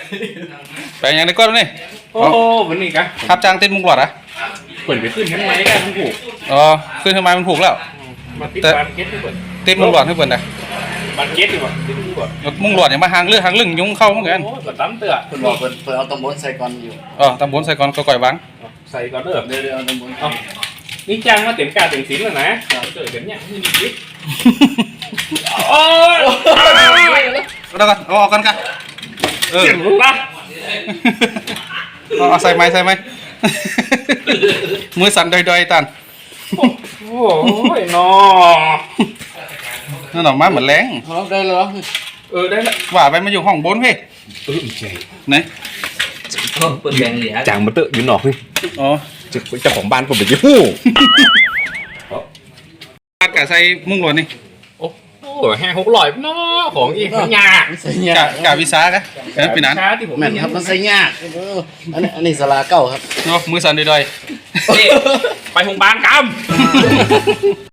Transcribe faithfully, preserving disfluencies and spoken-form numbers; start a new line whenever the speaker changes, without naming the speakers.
ไปอย่างนี้ก็นี่
โอ้วันนี้กัน
ครับจ้างเต้นมุงหลอดอ่ะ
เปิดไปขึ้นทั้งไม้กันทั้งผูก
อ๋อขึ้นทำไมมันผูกแล้ว
มาติดบานเก็ตให้เปิด
เต้นมุงหลอดให้เปิดนะ
บานเก็ตดีกว่าติดมุงหลอด
มุงหลอดอย่างมาหางเลือดหางลึงยุงเข้าเหมือนกัน
โอ้เปิดตั้มเตือ
เปิดบอกเปิดเปิดเอาตำบลใส่ก่อนอยู่
อ๋อตำบลใส่ก่อนก็ก่อยวัง
ใส่ก่อนเด้อ
เดี๋ยวเดี๋ยวเอาตำบล
นี่จ้างมาเต็มกาเต็มสินแล้วนะเกิดแบบเนี้ยนี่ดิโอ้ย
เอากันเอาออกกันกัน
เจ็บรู้ปะ
เอาใส่ไม้ใส่ไม้มือสั่นดอยๆตัน
โอ้ยนอ
นั่นออกมาเหมือนแรง
ได้เหรอ
เออได้ละ
ว่าไปมาอยู่ห้องบนพี่
เออใช่
ไหน
เปิดแบงเหลีย
จางมาเตอะอยู่นอกนี่
อ๋อ
เจ้าของบ้านผมเป็นยี่หู้
กะใส่มุ้งหลวดนี่
โอ้โหแห้งหกร้อยเนาะของอีกยาก
ใส่ยาก
กะวิสากะนั่นเป็นนั้น
แม่นครับมันใส่ยากอันนี้อันนี้สลาเก้าครับ
เนาะมือสั่นดอย
ๆไปโรงพยาบาลกำ